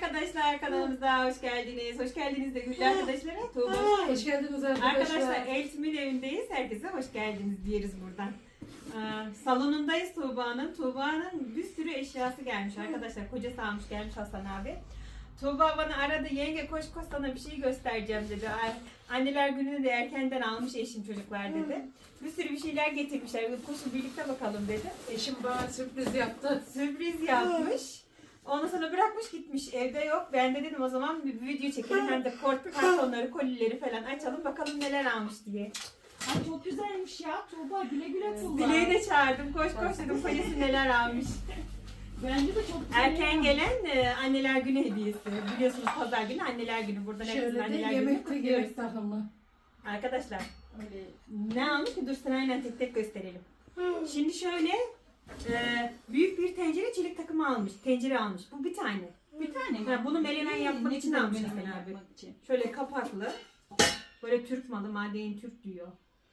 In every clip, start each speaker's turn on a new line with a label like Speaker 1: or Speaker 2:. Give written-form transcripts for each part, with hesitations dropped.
Speaker 1: arkadaşlar, kanalımıza hoş geldiniz. Hoş geldiniz de Güllü arkadaşlara. Tuğba.
Speaker 2: Hoş geldiniz arkadaşlar.
Speaker 1: Arkadaşlar Eltim'in evindeyiz. Herkese hoş geldiniz diyoruz buradan. Salonundayız Tuğba'nın. Tuğba'nın bir sürü eşyası gelmiş arkadaşlar. Kocası almış gelmiş Hasan abi. Tuğba bana aradı, yenge koş koş sana bir şey göstereceğim dedi. Anneler gününü de erkenden almış eşim çocuklar dedi. Bir sürü bir şeyler getirmişler. Koşun birlikte bakalım dedi.
Speaker 2: Eşim bana sürpriz yaptı.
Speaker 1: Sürpriz yapmış. Ondan sonra bırakmış gitmiş. Evde yok. Ben de dedim o zaman bir video çekelim. Hem de kartonları, kolileri falan açalım. Bakalım neler almış diye.
Speaker 3: Ay çok güzelmiş ya Tuğba, güle güle Tuğba.
Speaker 1: Dileği de çağırdım. Koş koş dedim. Kocası neler almış.
Speaker 3: Bence de çok güzel.
Speaker 1: Erken gelen anneler günü hediyesi. Biliyorsunuz pazar günü anneler günü. Burada hepimiz
Speaker 2: Şöyle de
Speaker 1: anneler günü
Speaker 2: yemek
Speaker 1: kutluyoruz.
Speaker 2: yemek takımı.
Speaker 1: Arkadaşlar
Speaker 3: Öyle.
Speaker 1: ne almış ki dur sırayla tek tek gösterelim. Şimdi şöyle büyük bir tencere çelik takımı almış. Tencere almış. Bu bir tane.
Speaker 3: Bir tane mi?
Speaker 1: Ha, bunu menemen yapmak
Speaker 3: Ne
Speaker 1: için
Speaker 3: güzel
Speaker 1: almış
Speaker 3: menemen
Speaker 1: Hasan abi.
Speaker 3: yapmak için.
Speaker 1: Şöyle kapaklı. Böyle Türk malı. Madeyin Türk diyor.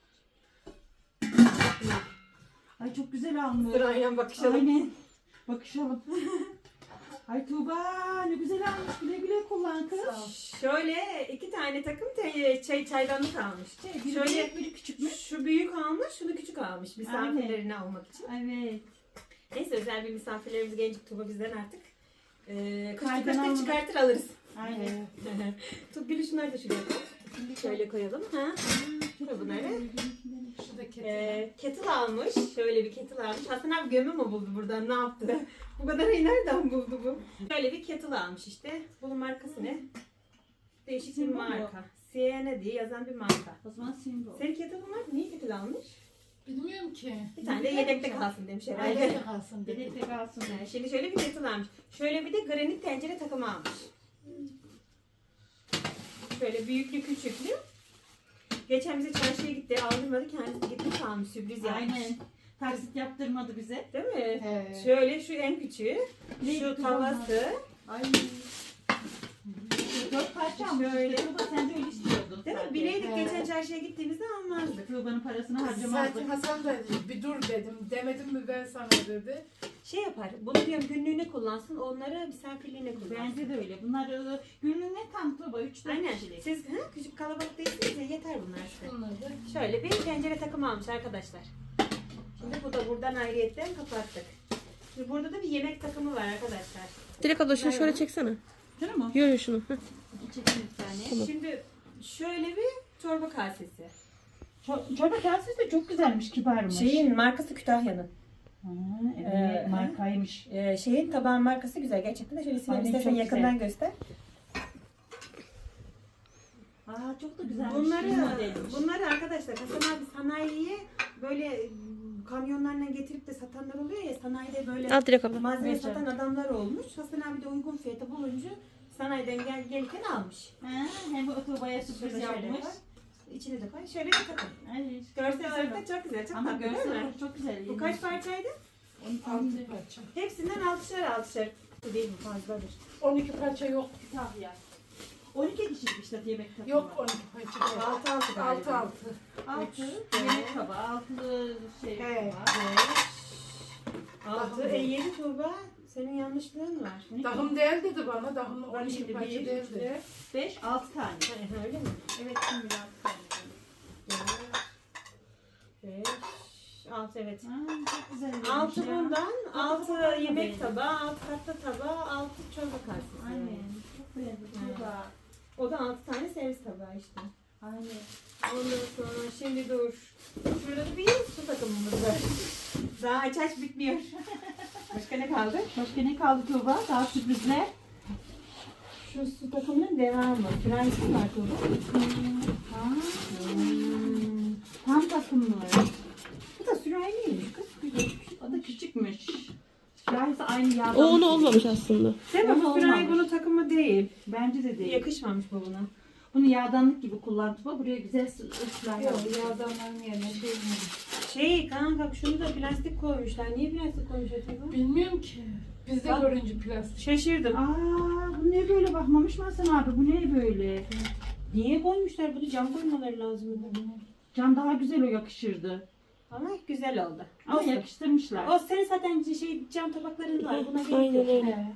Speaker 3: Ay çok güzel almış.
Speaker 1: Sırayla bakışalım.
Speaker 3: Aynen. Bakışalım. Ay Tuğba ne güzel almış. Güle güle kullan kız.
Speaker 2: Sağ ol.
Speaker 1: Şöyle iki tane takım çaydanlık almış.
Speaker 3: Biri
Speaker 1: Şöyle
Speaker 3: büyük, biri küçük mü?
Speaker 1: şu büyük almış, şunu küçük almış. Misafirlerini almak için.
Speaker 3: Evet.
Speaker 1: Neyse özel bir misafirlerimiz gelecek Tuğba bizden artık.
Speaker 3: Kaydan
Speaker 1: Kışta
Speaker 3: almadık.
Speaker 1: çıkartır alırız.
Speaker 3: Aynen.
Speaker 1: Gülü şunları da şuraya koy. Şöyle koyalım. Ha? Şöyle bunları.
Speaker 2: Şu da kettle.
Speaker 1: Kettle almış. Şöyle bir kettle almış. Hasan abi gömü mü buldu buradan? Ne yaptı? Bu kadar iyi nereden buldu bu? Şöyle bir kettle almış işte. Bunun markası ne? Değişik bir
Speaker 3: Simbo mu?
Speaker 1: marka. Sienna diye yazan bir marka.
Speaker 3: O zaman Simbo.
Speaker 1: Senin kettle'ın var mı? Niye kettle almış?
Speaker 2: Bilmiyorum ki.
Speaker 1: Bir tane de yedekte kalsın demiş herhalde.
Speaker 2: Ailede kalsın
Speaker 3: Bir
Speaker 2: dedi.
Speaker 3: de kalsın.
Speaker 1: Şimdi şöyle bir kettle almış. Şöyle bir de granit tencere takımı almış. Şöyle büyüklü küçüklü. Geçen bize çarşıya gitti. Aldırmadı. Kendisi gitmiş almış. Sürpriz yapmış.
Speaker 3: Aynen. Taksit yaptırmadı bize.
Speaker 1: Değil mi?
Speaker 2: He.
Speaker 1: Şöyle şu en küçüğü.
Speaker 3: Ne
Speaker 1: Şu
Speaker 3: güzel
Speaker 1: tavası.
Speaker 3: Ay. 4 parça almış.
Speaker 1: Şöyle.
Speaker 3: Tuğba sen de öyle istiyordun.
Speaker 1: Değil mi?
Speaker 3: zaten.
Speaker 1: Bileydik
Speaker 2: He.
Speaker 1: geçen çarşıya gittiğimizde almazdık.
Speaker 3: Tuğba'nın parasını
Speaker 2: Zaten
Speaker 3: harcamazdık.
Speaker 2: Hasan da bir dur dedim. Demedim mi ben sana dedi.
Speaker 1: Şey yapar. Bunu diyorum günlüğüne kullansın. Onları misafirliğine kullansın.
Speaker 3: Bence de öyle. Bunlar günlüğüne tam Tuğba 3-4
Speaker 1: Aynen.
Speaker 3: kişilik.
Speaker 1: Siz küçük kalabalık değilsiniz ya yeter bunlar size.
Speaker 2: Bunlar da.
Speaker 1: Şöyle bir tencere takımı almış arkadaşlar. Şimdi bu da buradan ayrıyetten kapattık. Şimdi burada da bir yemek takımı var arkadaşlar.
Speaker 4: Dilek abla şunu şöyle çeksene.
Speaker 3: Şunu mu?
Speaker 4: Yürü şunu. Heh.
Speaker 3: Çekin bir tane.
Speaker 1: Şimdi şöyle bir çorba kasesi.
Speaker 3: Çorba kasesi de çok güzelmiş, kibarmış.
Speaker 1: Şeyin markası Kütahya'nın.
Speaker 3: Ha, evet, markaymış.
Speaker 1: Şeyin tabağın markası güzel. Gerçekten de şöyle
Speaker 3: Aynen,
Speaker 1: sinema istersen
Speaker 3: çok
Speaker 1: yakından göster.
Speaker 3: Aa çok da güzelmiş.
Speaker 1: Bunları arkadaşlar Hasan abi sanayiye böyle kamyonlarla getirip de satanlar oluyor ya, sanayide böyle
Speaker 4: Al Dilek abla.
Speaker 1: malzeme
Speaker 3: Evet,
Speaker 1: satan adamlar olmuş. Hasan abi de uygun fiyata bulunca sanayiden gelirken almış.
Speaker 3: Ha, hem bu Tuğba'ya sürpriz
Speaker 1: Şöyle
Speaker 3: yapmış.
Speaker 1: koy. İçine de koy. Şöyle bir takım.
Speaker 3: Ay,
Speaker 1: Görsel olarak da çok güzel. Çok
Speaker 3: ama
Speaker 1: tatlı değil
Speaker 3: görsel
Speaker 1: mi?
Speaker 3: olarak çok güzel.
Speaker 1: Bu kaç parçaydı?
Speaker 2: 6 parça.
Speaker 1: Hepsinden 6'şer. Bu değil mi? Fazladır.
Speaker 2: 12 parça yok.
Speaker 3: Tahya. 12 kişilik işte yemek tabağı.
Speaker 2: Yok 12 parça.
Speaker 1: 6 galiba.
Speaker 2: 6.
Speaker 3: 6 yemek tabağı, 6 şey
Speaker 2: He.
Speaker 3: tabağı.
Speaker 1: 6. 7 Tuğba. Senin yanlışlığın var.
Speaker 2: Dahım değil dedi bana. Dahım 12
Speaker 3: Şimdi
Speaker 2: parça
Speaker 3: 1,
Speaker 2: değildi.
Speaker 3: 5, 6 tane.
Speaker 1: Öyle mi?
Speaker 3: Evet şimdi 6 tane.
Speaker 1: 5, 6 evet.
Speaker 3: Ha, çok güzel.
Speaker 1: 6 bundan, 6
Speaker 3: tabağı
Speaker 1: yemek
Speaker 3: beğendim.
Speaker 1: tabağı, 6 tatlı tabağı, 6 çorba kasesi.
Speaker 3: Aynen. Çok beğendim. Tuğba.
Speaker 1: O da 6 tane servis tabağı işte.
Speaker 3: Aynen.
Speaker 1: Ondan sonra şimdi dur. Şurada da bir su takımımız var. Daha aç bitmiyor. Başka ne kaldı?
Speaker 3: Başka ne kaldı Tuğba? Daha sürprizler.
Speaker 1: Şu su takımının devamı. Prensi var Tuğba.
Speaker 3: Ha. Tam takımlı.
Speaker 1: Bu da sürahiymiş kız.
Speaker 3: O da küçükmüş. Şurası aynı yağdan.
Speaker 4: O onu olmamış aslında.
Speaker 1: Değil mi?
Speaker 3: Ama
Speaker 1: Bu sürahi
Speaker 3: olmamış.
Speaker 1: bunun takımı değil.
Speaker 3: Bence de değil.
Speaker 1: Yakışmamış bu buna.
Speaker 3: Bunu yağdanlık gibi kullan Tuğba. Buraya güzel ıslah
Speaker 2: Yok
Speaker 3: yapmış.
Speaker 2: yağdanların yerine şey mi?
Speaker 1: Şey kanka şunu da plastik koymuşlar. Niye plastik koymuşlar acaba?
Speaker 2: Bilmiyorum ki. Biz de
Speaker 1: Bak.
Speaker 2: görünce plastik.
Speaker 1: Şaşırdım.
Speaker 3: Aa, bu ne böyle bakmamış mı Hasan abi? Bu ne böyle?
Speaker 1: Niye koymuşlar bunu? Cam koymaları lazım.
Speaker 3: Cam daha güzel o yakışırdı.
Speaker 1: Ama güzel oldu.
Speaker 3: Ama
Speaker 1: Olsun.
Speaker 3: yakıştırmışlar.
Speaker 1: O senin zaten cam tabakların var. Buna gerek
Speaker 4: Aynen
Speaker 1: yok.
Speaker 4: öyle.
Speaker 2: He.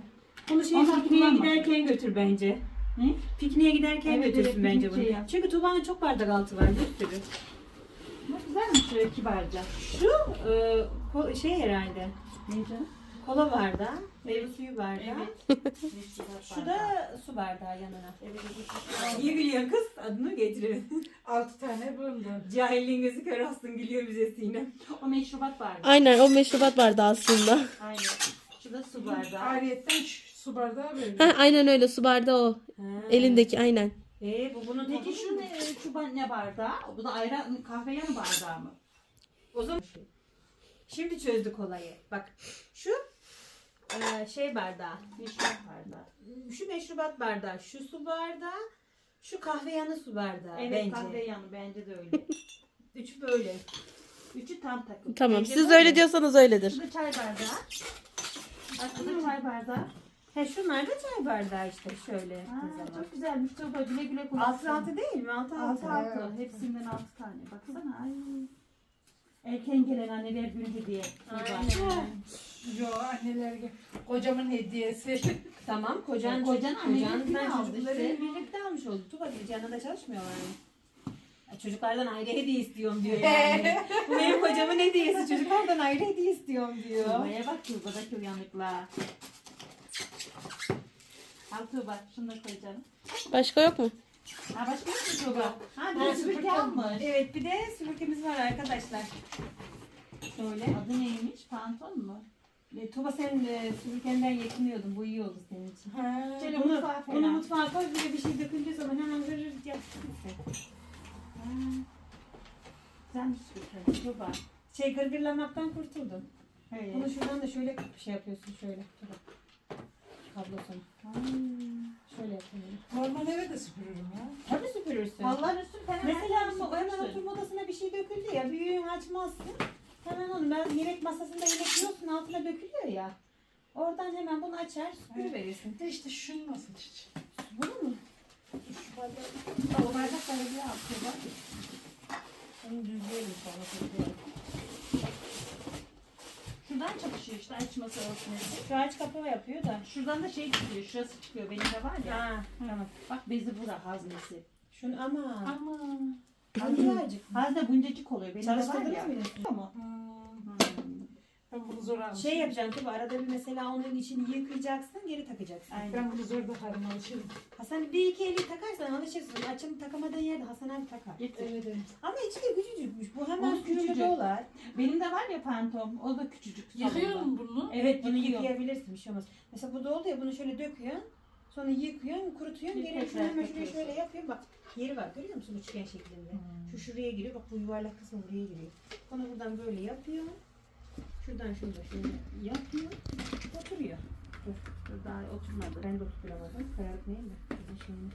Speaker 1: Bunu
Speaker 3: Ondan
Speaker 1: pikniğe
Speaker 3: kullanma.
Speaker 1: giderken götür bence.
Speaker 3: Ne?
Speaker 1: Pikniğe giderken
Speaker 3: Evet,
Speaker 1: götürsün
Speaker 3: evet,
Speaker 1: bence
Speaker 3: piknik
Speaker 1: bunu.
Speaker 3: yap.
Speaker 1: Çünkü Tuğba'nın çok bardak altı var bir sürü.
Speaker 3: Ne güzelmiş şöyle kibarca.
Speaker 1: Şu şey herhalde.
Speaker 3: Ne canım?
Speaker 1: Kola bardağı, meyve suyu bardağı.
Speaker 3: Şu
Speaker 1: Şu da su bardağı yanına.
Speaker 3: Evet,
Speaker 1: Niye gülüyorsun kız? Adını getirin.
Speaker 2: 6 tane buldu.
Speaker 1: Cahilliğin gözü kör olsun gülüyor bize Sinem.
Speaker 3: o meşrubat bardağı.
Speaker 4: Aynen o meşrubat vardı aslında.
Speaker 3: Aynen. Şu da su bardağı.
Speaker 2: Ariyetten su bardağı böyle.
Speaker 4: Ha, aynen öyle su bardağı o. Elindeki aynen.
Speaker 1: Bu bunun
Speaker 3: Peki
Speaker 1: tadı
Speaker 3: şu
Speaker 1: mı?
Speaker 3: ne bardağı? Bu da ayran kahve yanı bardağı mı?
Speaker 1: O zaman şimdi çözdük olayı. Bak şu şey bardağı.
Speaker 3: Meşrubat bardağı.
Speaker 1: Şu meşrubat bardağı, şu su bardağı, şu kahve yanı su bardağı
Speaker 3: Evet
Speaker 1: bence.
Speaker 3: kahve yanı bence de öyle.
Speaker 1: Üçü böyle.
Speaker 3: Üçü tam takım.
Speaker 4: Tamam
Speaker 1: Bence
Speaker 4: siz
Speaker 1: böyle.
Speaker 4: öyle diyorsanız öyledir.
Speaker 3: Şu da çay bardağı. Bak bu da çay bardağı.
Speaker 1: He şunlar da çay bardağı işte şöyle.
Speaker 3: Aa,
Speaker 1: yaptığın zaman.
Speaker 3: çok güzelmiş. Çok güle güle kullan.
Speaker 1: Altı altı değil mi? Altı altı.
Speaker 3: Altı altı. Hepsinden 6 tane. Baksana. Ay. Erken gelen anneler günü diye.
Speaker 1: Aynen.
Speaker 2: Yo anneler kocamın hediyesi.
Speaker 1: Tamam kocan
Speaker 3: Kocan annenin
Speaker 1: ben
Speaker 3: aldı
Speaker 1: çocukları
Speaker 3: işte.
Speaker 1: birlikte almış oldu. Tuba gibi yanında çalışmıyorlar mı? Çocuklardan ayrı hediye istiyorum diyor yani. Bu benim kocamın hediyesi. Çocuklardan ayrı hediye istiyorum diyor.
Speaker 3: Tuğba'ya bak Tuğba'daki uyanıklığa. Al Tuğba şunu da koy canım.
Speaker 4: Başka yok mu?
Speaker 3: Ha başka yok mu Tuğba? Ha bir
Speaker 2: Ha,
Speaker 3: de süpürge
Speaker 2: süpürge.
Speaker 3: almış.
Speaker 1: Evet bir de süpürgemiz var arkadaşlar. Şöyle.
Speaker 3: Adı neymiş? Pantolon mu?
Speaker 1: Tuba sen süpürgenden yetiniyordun. Bu iyi oldu senin için.
Speaker 2: Ha.
Speaker 3: Şöyle
Speaker 1: Bunu,
Speaker 3: mutfağa
Speaker 1: bunu
Speaker 3: falan.
Speaker 1: mutfağa koy bir de bir şey döküldüğü zaman hemen zırır yap.
Speaker 3: Ha. Güzelmiş süpürge. Tuğba.
Speaker 1: Gırgırlamaktan kurtuldum.
Speaker 3: Evet.
Speaker 1: Bunu şuradan da şöyle şey yapıyorsun şöyle. Tuba. Kablosunu. Şöyle yapıyorum.
Speaker 2: Normal eve de süpürürüm ya.
Speaker 1: Tabii süpürürsün.
Speaker 3: Allah'ın üstü falan.
Speaker 1: Mesela hemen oturma odasına bir şey döküldü ya. Büyüğün açmazsın. Hemen onu ben yemek masasında yemek yiyorsun altına dökülüyor ya. Oradan hemen bunu açar süpürüverirsin.
Speaker 2: De işte şunu nasıl çiçek?
Speaker 1: Bunu mu?
Speaker 3: O bardakları bir al Tuğba.
Speaker 1: Onu düzleyelim sonra süpürelim.
Speaker 3: Şuradan çalışıyor işte açması olsun.
Speaker 1: Şu aç kapağı yapıyor da.
Speaker 3: Şuradan da şey çıkıyor. Şurası çıkıyor. Benim de var ya.
Speaker 1: Ha, tamam.
Speaker 3: Bak bezi bura haznesi.
Speaker 1: Şunu ama.
Speaker 3: Ama.
Speaker 1: Azıcık.
Speaker 3: Hazne buncacık oluyor. Benim de var
Speaker 1: Çalıştırdınız
Speaker 3: ya.
Speaker 1: mı?
Speaker 3: Ama.
Speaker 2: Ben bunu zor almışım.
Speaker 1: Şey yapacaksın tabii arada bir mesela onun içini yıkayacaksın geri takacaksın.
Speaker 3: Aynen.
Speaker 2: Ben bunu zor takarım alışırım.
Speaker 1: Hasan bir iki eli takarsan alışırsın. Açını takamadığın yerde Hasan abi takar.
Speaker 3: Getir.
Speaker 2: Evet evet.
Speaker 1: Ama içi de küçücükmüş. Bu hemen
Speaker 3: Onun
Speaker 1: sürüme
Speaker 3: küçücük.
Speaker 1: dolar.
Speaker 3: Benim de var ya pantom. O da küçücük.
Speaker 2: Yıkıyor
Speaker 3: salonda.
Speaker 2: mu bunu?
Speaker 3: Evet
Speaker 1: Bunu
Speaker 3: yıkıyor.
Speaker 1: yıkayabilirsin bir şey olmaz. Mesela bu da oldu ya bunu şöyle döküyorsun. Sonra yıkıyorsun, kurutuyorsun.
Speaker 3: Bir
Speaker 1: Geri
Speaker 3: tekrar
Speaker 1: şunu hemen şuraya
Speaker 3: takıyorsun.
Speaker 1: şöyle yapıyorsun. Bak yeri var görüyor musun üçgen şeklinde. Şu şuraya giriyor. Bak bu yuvarlak kısmı buraya giriyor. Onu buradan böyle yapıyor. Şuradan şunu da şöyle yapıyor. Oturuyor.
Speaker 3: Dur daha oturmadı.
Speaker 1: Ben de oturamadım. Kayalık neyim de. Şuradan şöyle.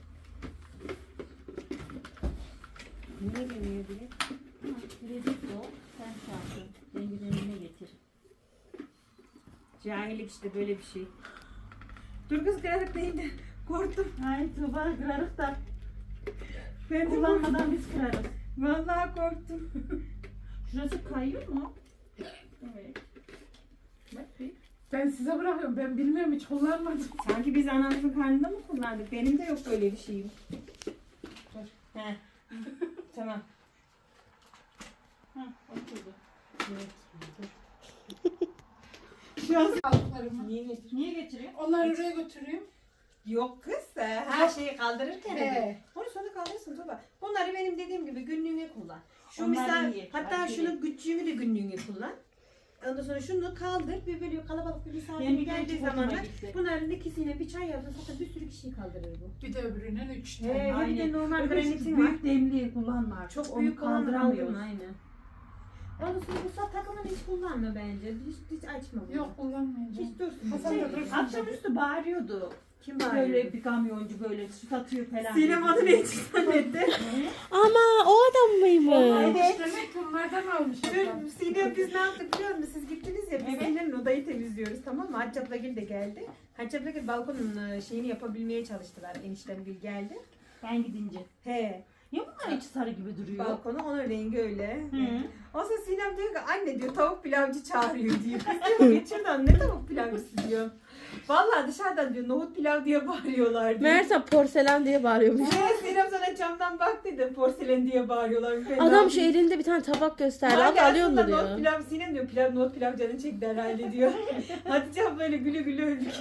Speaker 1: Niye geliyor bile?
Speaker 3: Bilezik de o. Sen çarptın. Dengelerine getir.
Speaker 1: Cahillik işte böyle bir şey. Dur kız kayalık değil de. Korktum.
Speaker 3: Ay Tuğba kırarız da.
Speaker 1: Ben de korktum.
Speaker 3: Kullanmadan biz kırarız.
Speaker 1: Vallahi korktum.
Speaker 3: Şurası kayıyor mu? Evet. Bak bir.
Speaker 2: Ben size bırakıyorum. Ben bilmiyorum hiç kullanmadım.
Speaker 1: Sanki biz anamızın karnında mı kullandık? Benim de yok böyle bir şeyim. He. Tamam.
Speaker 3: Hah oturdu.
Speaker 1: Şu an
Speaker 2: Aldıklarımı.
Speaker 1: niye getir?
Speaker 3: Niye getiriyor?
Speaker 2: Onları oraya götürüyorum.
Speaker 1: Yok kız. Her şeyi kaldırırken.
Speaker 2: He.
Speaker 1: Onu sonra kaldırırsın Tuba. Bunları benim dediğim gibi günlüğüne kullan. Şu
Speaker 3: Onlar
Speaker 1: misal
Speaker 3: iyi.
Speaker 1: hatta
Speaker 3: Hareket
Speaker 1: şunu küçüğünü de günlüğüne kullan. Ondan sonra şunu kaldır. Bir böyle kalabalık bir misafir
Speaker 3: Benim bir
Speaker 1: geldiği
Speaker 3: genç hoşuma
Speaker 1: zamanlar
Speaker 3: gitti.
Speaker 1: bunların ikisine bir çay yaptın. Zaten bir sürü kişiyi kaldırır bu.
Speaker 2: Bir de öbüründen 3 tane.
Speaker 1: He, bir de
Speaker 3: Aynen.
Speaker 1: normal
Speaker 3: Öbür
Speaker 1: granitin var.
Speaker 3: büyük demliği kullanma artık.
Speaker 1: Çok
Speaker 3: Onu
Speaker 1: büyük
Speaker 3: kaldıramıyoruz.
Speaker 1: Aynen. Ondan sonra bu sat takımını hiç kullanma bence. Hiç açma bunu.
Speaker 2: Yok kullanmayacağım.
Speaker 1: Hiç dursun.
Speaker 2: Hasan
Speaker 1: Şey,
Speaker 2: da dursun.
Speaker 3: Akşamüstü bağırıyordu.
Speaker 1: Kim
Speaker 3: Böyle
Speaker 1: bağırıyor?
Speaker 3: bir kamyoncu böyle su satıyor falan.
Speaker 1: Sinem adı ne için zannetti?
Speaker 4: Ama o adam mıymış?
Speaker 1: Evet.
Speaker 2: Demek ki bunlardan almış. adam.
Speaker 1: Dün Sinem biz ne yaptık biliyor musun? Siz gittiniz ya biz
Speaker 3: Evet.
Speaker 1: Sinem'le odayı temizliyoruz tamam mı? Hacı Ablagil de geldi. Hacı Ablagil balkonun şeyini yapabilmeye çalıştılar. Eniştem Gül geldi.
Speaker 3: Ben gidince.
Speaker 1: He.
Speaker 3: Ya bunlar içi sarı gibi duruyor.
Speaker 1: Balkonu onun rengi öyle.
Speaker 3: Hı.
Speaker 1: O zaman Sinem diyor ki anne diyor tavuk pilavcı çağırıyor diyor. Kız diyor geç şuradan ne tavuk pilavcısı diyor. Vallahi dışarıdan diyor nohut pilav diye bağırıyorlar diyor.
Speaker 4: Meğerse porselen diye bağırıyormuş.
Speaker 1: Evet Sinem sana camdan bak dedim porselen diye bağırıyorlar. Ben ne
Speaker 4: Adam şu
Speaker 1: yapayım?
Speaker 4: elinde bir tane tabak gösterdi.
Speaker 1: Hadi
Speaker 4: Abla alıyor
Speaker 1: aslında
Speaker 4: mu
Speaker 1: nohut
Speaker 4: diyor.
Speaker 1: pilav Sinem diyor nohut pilav canın çekti herhalde diyor. Hatice abla böyle güle güle öldük.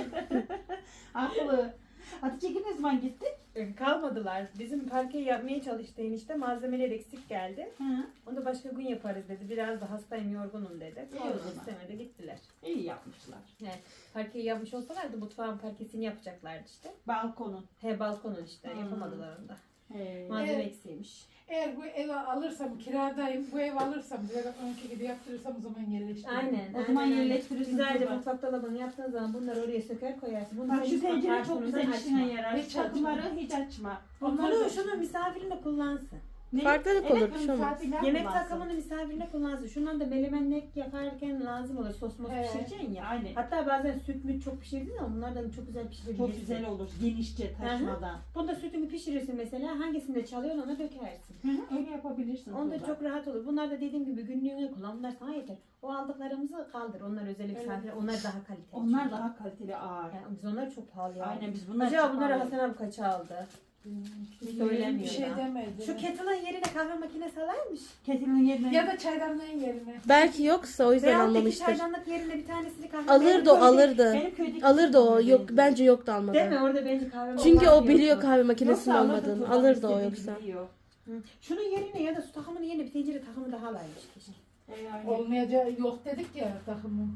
Speaker 3: Aklı. Hatice ne zaman gitti?
Speaker 1: Kalmadılar. Bizim parkeyi yapmaya çalıştı enişte. Malzemeler eksik geldi.
Speaker 3: Hı.
Speaker 1: Onu da başka gün yaparız dedi. Biraz da hastayım yorgunum dedi.
Speaker 3: İyi o
Speaker 1: Sonra
Speaker 3: zaman.
Speaker 1: istemedi gittiler.
Speaker 3: İyi yapmışlar.
Speaker 1: Yani parkeyi yapmış olsalardı mutfağın parkesini yapacaklardı işte.
Speaker 3: Balkonun.
Speaker 1: Balkonun işte
Speaker 3: Hmm.
Speaker 1: yapamadılar onu da.
Speaker 3: He.
Speaker 1: Malzeme
Speaker 2: Evet.
Speaker 1: eksiymiş.
Speaker 2: Eğer bu evi alırsam, kiradayım, bu evi alırsam, direkt onunki gibi yaptırırsam o zaman yerleştiririm.
Speaker 1: Aynen.
Speaker 3: O zaman
Speaker 1: aynen.
Speaker 3: yerleştirirsin
Speaker 1: Güzelce
Speaker 3: Tuğba.
Speaker 1: mutfak dolabını yaptığın zaman bunları oraya söker koyarsın. Bunu
Speaker 3: Bak
Speaker 1: da
Speaker 3: şu
Speaker 1: mutfak
Speaker 3: tencere çok
Speaker 1: kartonundan
Speaker 3: güzel işine
Speaker 1: açma.
Speaker 3: yarar.
Speaker 2: Hiç
Speaker 3: Çatıları hiç açma.
Speaker 1: Şunu misafirine kullansın.
Speaker 3: Ne?
Speaker 4: Farklılık olur, bir şey olmaz.
Speaker 3: misafirler
Speaker 1: Yemek
Speaker 3: kullansın.
Speaker 1: takımını misafirine kullansın. Şundan da menemenlik yaparken lazım olur. Sos mos
Speaker 2: Evet.
Speaker 1: pişireceksin ya.
Speaker 3: Aynen.
Speaker 1: Hatta bazen süt mü çok pişirdin ama bunlardan çok güzel pişirebilirsin.
Speaker 3: Çok güzel olur. Genişçe taşmadan.
Speaker 1: Bunda sütünü pişirirsin mesela. Hangisinde çalıyorsun ona dökersin.
Speaker 3: Hı hı, öyle yapabilirsin.
Speaker 1: Onda
Speaker 3: Tuğba.
Speaker 1: çok rahat olur. Bunlar da dediğim gibi günlüğüne kullan. Bunlar sana yeter. O aldıklarımızı kaldır. Onlar özel misafir. Onlar daha kaliteli.
Speaker 3: Onlar
Speaker 1: çünkü.
Speaker 3: daha kaliteli ağır.
Speaker 1: Yani biz onları çok pahalı ya.
Speaker 3: Aynen biz bunlar
Speaker 1: Acaba
Speaker 3: çok
Speaker 1: bunları
Speaker 3: ağır.
Speaker 1: Hasan abi kaça aldı? Hiç
Speaker 2: Bir
Speaker 1: söylemiyor
Speaker 2: şey
Speaker 1: da.
Speaker 2: demedi.
Speaker 1: Şu kettle'ın yerine kahve makinesi alaymış.
Speaker 3: Ketilin yerine.
Speaker 2: Ya da çaydanlığın yerine.
Speaker 4: Belki yoksa o yüzden
Speaker 1: Veyahut da iki
Speaker 4: almamıştır.
Speaker 1: çaydanlık yerine bir tanesini kahve
Speaker 4: Alırdı o,
Speaker 1: makinesi-
Speaker 4: alırdı.
Speaker 3: Benim köydeki
Speaker 4: Alırdı o.
Speaker 3: ketilin
Speaker 4: Yok
Speaker 3: yerine.
Speaker 4: bence yoktu almadı.
Speaker 1: Değil mi? Orada bence kahve
Speaker 4: Çünkü
Speaker 1: makinesi
Speaker 4: o biliyor
Speaker 1: yoktu.
Speaker 4: kahve makinesinin
Speaker 3: Yoksa
Speaker 4: olmadığını.
Speaker 3: Tuğba,
Speaker 4: Alırdı o
Speaker 3: istediği
Speaker 4: yoksa.
Speaker 3: biliyor.
Speaker 1: Hı. Şunun yerine ya da su takımının yerine bir tencere takımı daha alaymış keşke.
Speaker 3: Aynen.
Speaker 2: Olmayacağı yok dedik ya takımın.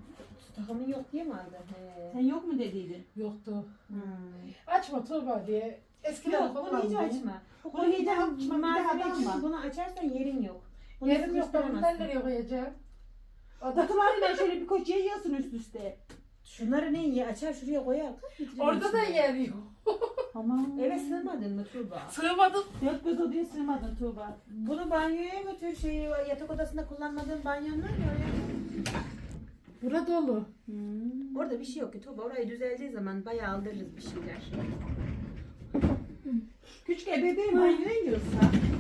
Speaker 1: Su takımın yok diye mi aldı?
Speaker 3: Sen yok mu dediydin?
Speaker 2: Yoktu.
Speaker 3: Hmm.
Speaker 2: Açma Tuğba diye. Eskiden
Speaker 1: Yok bunu hiç
Speaker 2: kullandım.
Speaker 1: açma.
Speaker 3: Bunu hiç açma, bir daha
Speaker 1: Malzeme
Speaker 3: da
Speaker 1: için
Speaker 3: alma.
Speaker 1: bunu açarsan yerin yok. Bunu
Speaker 2: Yerim yok ben bundan
Speaker 1: sıkıştıramazsın.
Speaker 2: nereye koyacağım? O da
Speaker 3: Takılarıyla şöyle bir koç yayıyorsun üst üste.
Speaker 1: Şunları ne iyi açar şuraya koyar.
Speaker 2: orada da yer yok.
Speaker 3: Aman.
Speaker 1: Eve sığmadın mı Tuğba?
Speaker 2: Sığmadım.
Speaker 3: Dört göz odaya sığmadın Tuğba.
Speaker 1: Bunu banyoya götür yatak odasında kullanmadığın banyon var ya oraya.
Speaker 2: Bura dolu.
Speaker 1: Orada bir şey yok ki Tuğba. Orayı düzeldiği zaman bayağı aldırırız bir şeyler.
Speaker 3: Küçük bebeğim banyoya yiyorsa.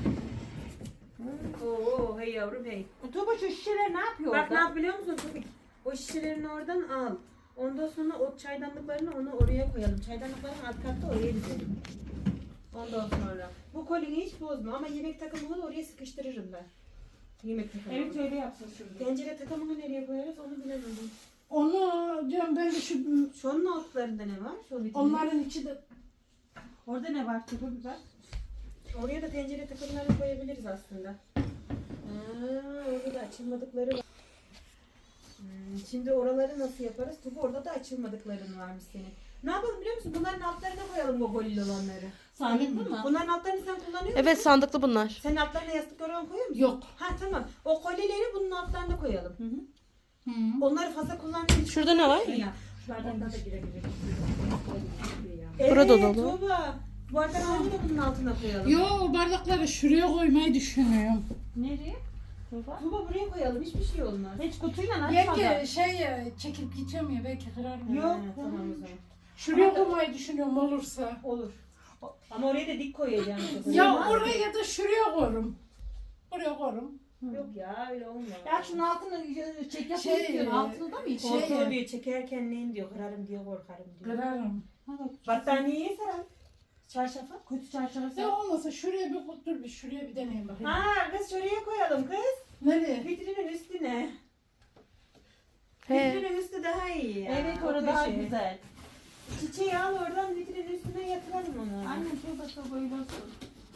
Speaker 1: Oo hey yavrum hey.
Speaker 3: Tuğba şu şişeler ne yapıyor
Speaker 1: Bak ne
Speaker 3: orada?
Speaker 1: yap biliyor musun Tufik? O şişelerini oradan al. Ondan sonra o çaydanlıklarını onu oraya koyalım. Çaydanlıkların alt katta oraya dizelim. Ondan sonra. Bu kolini hiç bozma ama yemek takımını da oraya sıkıştırırım ben. Yemek takımını.
Speaker 3: Evet öyle yapsın şurada.
Speaker 1: Tencere takımını nereye koyarız onu bilemedim.
Speaker 2: Onu diyorum ben de şu
Speaker 1: Şunun altlarında ne var? Şu vitrin.
Speaker 2: onların içi de
Speaker 3: Orada ne var Tuğba biber?
Speaker 1: Oraya da tencere takımlarını koyabiliriz aslında. Orada da açılmadıkları var. Şimdi oraları nasıl yaparız? Tabi orada da açılmadıkların varmış senin. Ne yapalım biliyor musun? Bunların altlarına koyalım o golil olanları.
Speaker 3: Sandıklı mı?
Speaker 1: Bunların altlarını sen kullanıyor musun?
Speaker 4: Evet sandıklı bunlar.
Speaker 1: Sen altlarına yastık oran koyuyor musun?
Speaker 2: yok.
Speaker 1: Ha tamam. O kolileri bunun altlarına koyalım.
Speaker 3: Hı hı.
Speaker 1: Onları fazla kullanmayalım.
Speaker 4: Şurada ne var?
Speaker 1: Ya.
Speaker 3: Bardaklar da girebilir.
Speaker 4: Burada
Speaker 1: Evet,
Speaker 4: dolu.
Speaker 1: Tuğba. Bardaklarını da bunun altına koyalım.
Speaker 2: Yo o bardakları şuraya koymayı düşünüyorum.
Speaker 3: Nereye? Tuğba.
Speaker 1: Tuğba buraya koyalım. Hiçbir şey olmaz.
Speaker 3: Hiç kutuyla açmadan.
Speaker 2: Yenge çekip gideceğim ya belki kırarım.
Speaker 1: Yok.
Speaker 2: Ya.
Speaker 1: Tamam o zaman.
Speaker 2: Şuraya koymayı düşünüyorum olursa.
Speaker 1: Olur. Ama oraya da dik koyacağım.
Speaker 2: Ya oraya ya da şuraya koyarım. Buraya koyarım.
Speaker 1: Yok ya öyle olmaz.
Speaker 3: Ya şunun altını çek yapayım
Speaker 2: Şey,
Speaker 3: diyorsun. Altında mı hiç?
Speaker 1: Korkuyor diyor çekerken neyin diyor kırarım diyor korkarım diyor.
Speaker 2: Kırarım.
Speaker 1: Battaniyeye saralım. Çarşafa.
Speaker 3: Kötü çarşafı
Speaker 2: Ya olmasa şuraya bir dur bir şuraya bir deneyim bakayım.
Speaker 1: Ha kız şuraya koyalım kız.
Speaker 2: Nereye?
Speaker 1: Vitrinin üstüne.
Speaker 4: He.
Speaker 1: Vitrinin üstü daha iyi ya.
Speaker 3: Evet
Speaker 1: O
Speaker 3: orada daha
Speaker 1: köşe.
Speaker 3: güzel.
Speaker 1: Çiçeği al oradan vitrinin üstüne yatıralım onu.
Speaker 3: Annem Tuğba böyle olsun.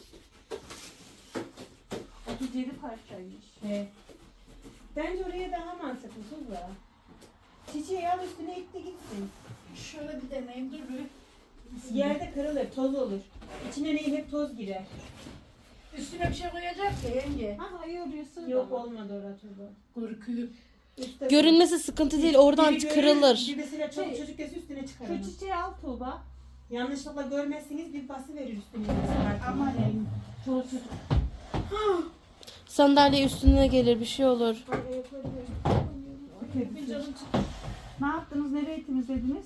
Speaker 3: 37 parçaymış.
Speaker 1: He. Bence oraya daha mantıklı Tuğba. Çiçeği al üstüne itti gitsin.
Speaker 2: Şöyle bir deneyim dur bir.
Speaker 1: Yerde kırılır, toz olur. İçine neyim hep toz girer.
Speaker 2: Üstüne bir şey koyacak ya yenge.
Speaker 3: Ha hayır diyorsun.
Speaker 1: Yok olmadı orada Tuğba.
Speaker 2: Korkuyor.
Speaker 1: Üstte
Speaker 4: Görünmesi sıkıntı değil. Oradan
Speaker 1: biri görür,
Speaker 4: kırılır.
Speaker 1: Bir mesela çok çocuk kesi üstüne çıkar.
Speaker 3: Şu
Speaker 1: onu.
Speaker 3: çiçeği al Tuğba.
Speaker 1: Yanlışlıkla görmezseniz bir bası verir üstüne.
Speaker 3: Aman elim. Çoluk çocuk.
Speaker 4: Sandalye üstüne gelir bir şey olur.
Speaker 1: Bir canım çıktı.
Speaker 3: Ne yaptınız? Nereye temizlediniz?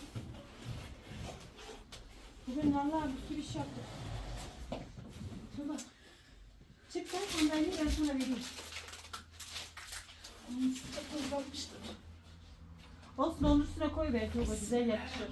Speaker 1: Bugün vallahi bir sürü iş yaptık. Tuğba. Çık sen sandalyeyi ben sana vereyim.
Speaker 3: Olsun onun üstüne koy be Tuğba güzel yakışır.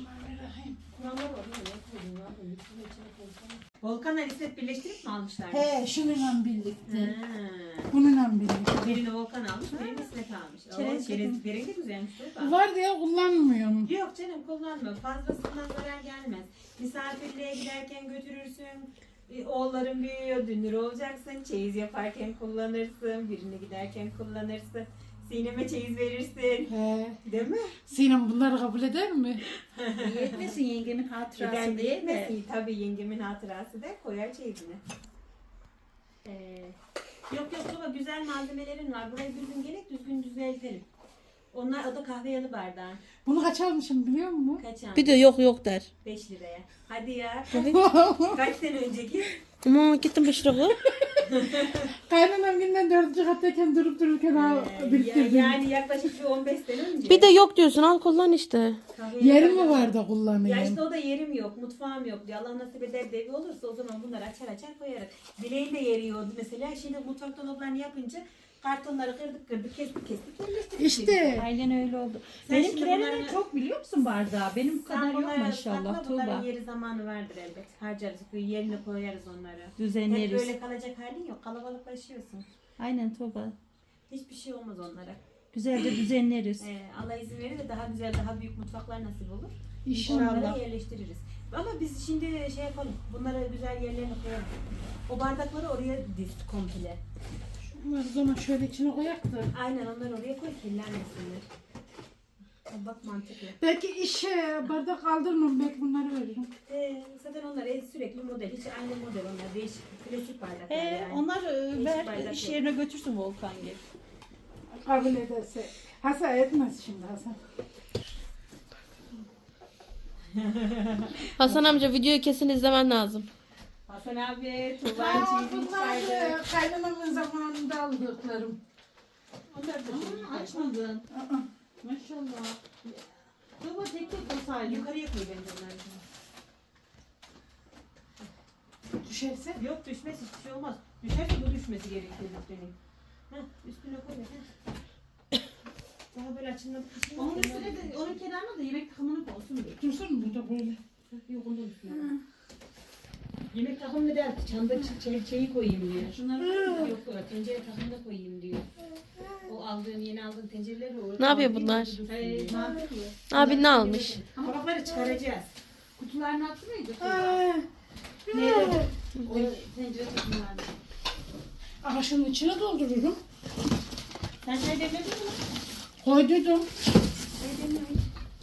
Speaker 1: Volkan'la İsmet birleştirip mi almışlar?
Speaker 2: He şununla birlikte.
Speaker 1: Ha.
Speaker 2: Bununla birlikte.
Speaker 1: Birini Volkan almış, birini İsmet almış.
Speaker 3: Çerez
Speaker 1: Çerez börek de güzelmiş. Tuğba.
Speaker 2: Var diye kullanmıyorum.
Speaker 1: Yok canım kullanma. Fazlasından zarar gelmez. Misafirliğe giderken götürürsün. Oğulların büyüyor, dünür olacaksın. Çeyiz yaparken kullanırsın. Birini giderken kullanırsın. Sinem'e çeyiz verirsin.
Speaker 2: He.
Speaker 1: Değil mi?
Speaker 2: Sinem bunları kabul eder mi?
Speaker 3: Yetmesin yengemin hatırası
Speaker 1: Neden
Speaker 3: değil
Speaker 1: değil
Speaker 3: de.
Speaker 1: mi? Tabii yengemin hatırası da koyar çeyizini. Yok Tuğba güzel malzemelerin var. Burayı düzgün gerek düzgün düzeltelim. Onlar o da kahve yanı bardağı.
Speaker 2: Bunu kaç almışım biliyor musun?
Speaker 1: Kaç aldın?
Speaker 4: Bir de yok der.
Speaker 1: 5 liraya. Hadi ya. Kaç sene önceki?
Speaker 4: Ama gittim 5 lira.
Speaker 2: Kaynanam günden 4. kattayken durup dururken biriktirdim.
Speaker 1: Yani yaklaşık bir 15 sene önce.
Speaker 4: Bir de yok diyorsun al kullan işte.
Speaker 1: Kahve
Speaker 2: Yeri
Speaker 1: yanı
Speaker 2: mi
Speaker 1: bardağı.
Speaker 2: var da
Speaker 1: Ya
Speaker 2: kullanayım?
Speaker 1: işte o da yerim yok, mutfağım yok diyor. Allah nasip eder de evi olursa o zaman bunları açar koyarız. Dileğin de yeri yok mesela. Şimdi mutfak dolaplarını yapınca kartonları kırdık kestik yerleştirdik.
Speaker 2: İşte
Speaker 3: Aynen öyle oldu.
Speaker 1: Sen şimdi
Speaker 3: Benimkilerin
Speaker 1: bunları-
Speaker 3: de çok biliyor musun bardağı? Benim bu
Speaker 1: Sen
Speaker 3: kadar yok
Speaker 1: bunları
Speaker 3: maşallah
Speaker 1: sakla, bunların
Speaker 3: Tuğba.
Speaker 1: yeri zamanı vardır elbet. Harcarız, yerine koyarız onları. Hep
Speaker 3: Düzenleriz.
Speaker 1: böyle kalacak halin yok. Kalabalıklaşıyorsun.
Speaker 3: Aynen Tuğba.
Speaker 1: Hiçbir şey olmaz onlara.
Speaker 3: Güzelce düzenleriz.
Speaker 1: Allah izin verir de daha güzel, daha büyük mutfaklar nasip olur.
Speaker 2: inşallah.
Speaker 1: Onları yerleştiririz. Ama biz şimdi şey yapalım. Bunları güzel yerlerine koyalım. O bardakları oraya diz komple.
Speaker 2: Bunları o zaman şöyle içine koyak da.
Speaker 1: Aynen onları oraya koy kirlenmesinler. Bak mantıklı.
Speaker 2: Belki bardak kaldırmam belki bunları veririm.
Speaker 1: Zaten onlar sürekli model. Hiç aynı model onlar. Değişik klasik bardaklar
Speaker 3: He,
Speaker 1: yani.
Speaker 3: onlar
Speaker 1: Değişik
Speaker 3: ver
Speaker 1: bardak
Speaker 3: iş
Speaker 1: yok.
Speaker 3: yerine götürsün Volkan gibi.
Speaker 2: Kabul ederse. Hasan etmez şimdi Hasan.
Speaker 4: Hasan amca videoyu kesin izlemen lazım.
Speaker 1: Hasan abi,
Speaker 2: Aa,
Speaker 1: Tuğba'nın çizim
Speaker 2: bunlar
Speaker 1: çıkardı.
Speaker 2: kaynanamın zamanında aldıklarım.
Speaker 1: Onlar da
Speaker 3: Açmadın.
Speaker 2: Aa,
Speaker 3: Maşallah. Tuğba tek tek olsaydı.
Speaker 1: yukarıya koy bence onları.
Speaker 2: düşerse.
Speaker 1: Yok düşmez hiçbir şey olmaz. Düşerse bu düşmesi gerekiyor üstüne. Heh, üstüne koy. Heh. Daha böyle açılmadık bir şey yok.
Speaker 3: Onun üstüne de, onun kenarına da yemek takımını olsun diye.
Speaker 2: Dursun mu burada böyle?
Speaker 1: Yok onun üstüne. Yemek takımını da çanda şeyi koyayım diyor.
Speaker 3: Şunları
Speaker 1: Yok tencere takımını koyayım diyor. O aldığın yeni aldığın tencereleri o.
Speaker 4: Ne yapıyor bunlar?
Speaker 1: Ne
Speaker 4: Abi ne almış?
Speaker 1: Kabakları çıkaracağız.
Speaker 3: kutularını attı mıydı?
Speaker 1: Nerede? O tencere takımlarını.
Speaker 2: Ağaçın içine doldururum.
Speaker 1: Sen çay demledin mi?
Speaker 2: Koydum.
Speaker 1: Çay demlemeyin.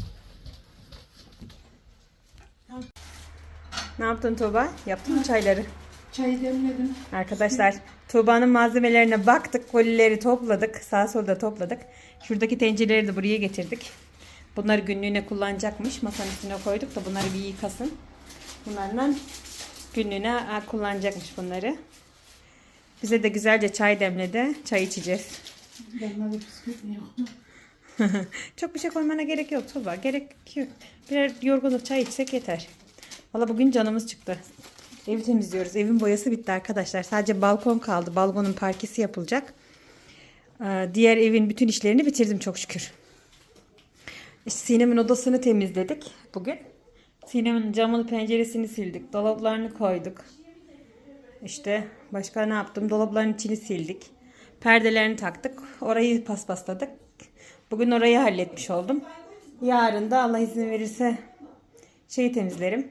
Speaker 1: Ne yaptın Tuğba? Yaptın mı çayları?
Speaker 2: Çayı demledim.
Speaker 1: Arkadaşlar Tuğba'nın malzemelerine baktık. Kolileri topladık. Sağa solda topladık. Şuradaki tencereleri de buraya getirdik. Bunları günlüğüne kullanacakmış. Masanın üstüne koyduk da bunları bir yıkasın. Bunlarla günlüğüne kullanacakmış bunları. Bize de güzelce çay demledi. Çay içeceğiz.
Speaker 2: Yanına da bisküvit yok.
Speaker 1: Çok bir şey koymana gerek yok Tuğba. Gerek yok. Birer yorgunluk çay içsek yeter. Valla bugün canımız çıktı. Evi temizliyoruz. Evin boyası bitti arkadaşlar. Sadece balkon kaldı. Balkonun parkesi yapılacak. Diğer evin bütün işlerini bitirdim çok şükür. İşte Sinem'in odasını temizledik bugün. Sinem'in camını penceresini sildik. Dolaplarını koyduk. İşte başka ne yaptım? Dolapların içini sildik. Perdelerini taktık. Orayı paspasladık. Bugün orayı halletmiş oldum. Yarın da Allah izin verirse şeyi temizlerim.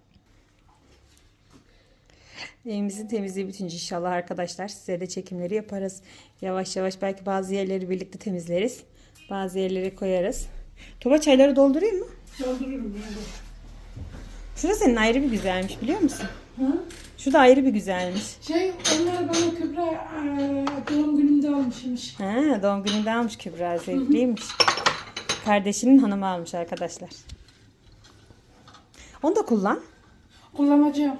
Speaker 1: Evimizin temizliği bitince inşallah arkadaşlar size de çekimleri yaparız. Yavaş yavaş belki bazı yerleri birlikte temizleriz. Bazı yerleri koyarız. Tuba çayları doldurayım mı?
Speaker 2: Doldururum yani.
Speaker 1: Şurada senin ayrı bir güzelmiş biliyor musun?
Speaker 2: Hı?
Speaker 1: Şu da ayrı bir güzelmiş.
Speaker 2: Onlar bana Kübra doğum günümde almışmış.
Speaker 1: Ha, doğum gününde almış Kübra. Zevkliymiş. Kardeşinin hanımı almış arkadaşlar. Onu da kullan.
Speaker 2: Kullanacağım.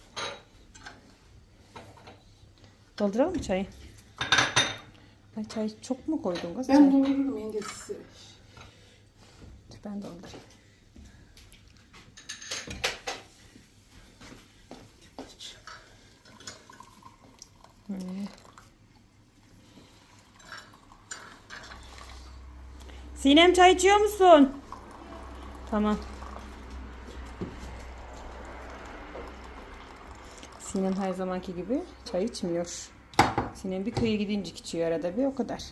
Speaker 1: Dolduralım mı çayı? Ay çay çok mu koydun kız?
Speaker 2: Ben
Speaker 1: Çay.
Speaker 2: doldururum yengesi.
Speaker 1: Dur ben doldurayım. Sinem çay içiyor musun? Tamam. Sinem her zamanki gibi çay içmiyor. Sinem bir köye gidince içiyor arada bir, o kadar.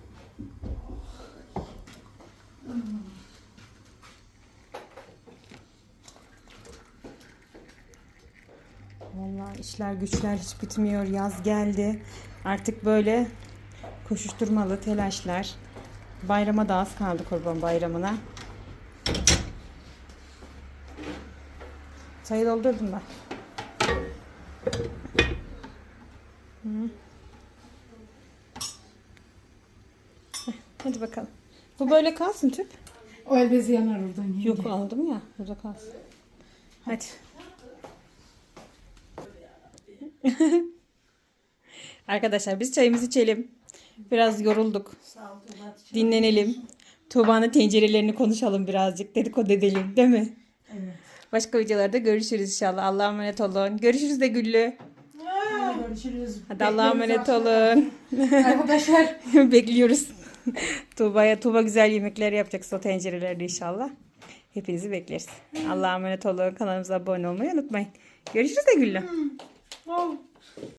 Speaker 1: Vallahi işler güçler hiç bitmiyor. Yaz geldi. Artık böyle koşuşturmalı telaşlar. Bayrama da az kaldı, Kurban Bayramı'na. Çayı doldurdum ben. Hadi bakalım. Bu böyle kalsın tüp.
Speaker 2: O el bezi yanar oradan yenge.
Speaker 1: Yok aldım ya. Burada kalsın. Hadi. Arkadaşlar biz çayımızı içelim. Biraz yorulduk. Dinlenelim. Tuğba'nın tencerelerini konuşalım birazcık. Dedikodu edelim, değil mi?
Speaker 3: Evet.
Speaker 1: Başka videolarda görüşürüz inşallah. Allah'a emanet olun. Görüşürüz de Güllü.
Speaker 3: Hadi görüşürüz.
Speaker 1: Hadi Allah'a emanet olun.
Speaker 2: Arkadaşlar
Speaker 1: Bekliyoruz. Tuğba güzel yemekler yapacak o tencerelerde inşallah. Hepinizi bekleriz. Allah'a emanet olun. Kanalımıza abone olmayı unutmayın. Görüşürüz de Güllü.
Speaker 3: Oh.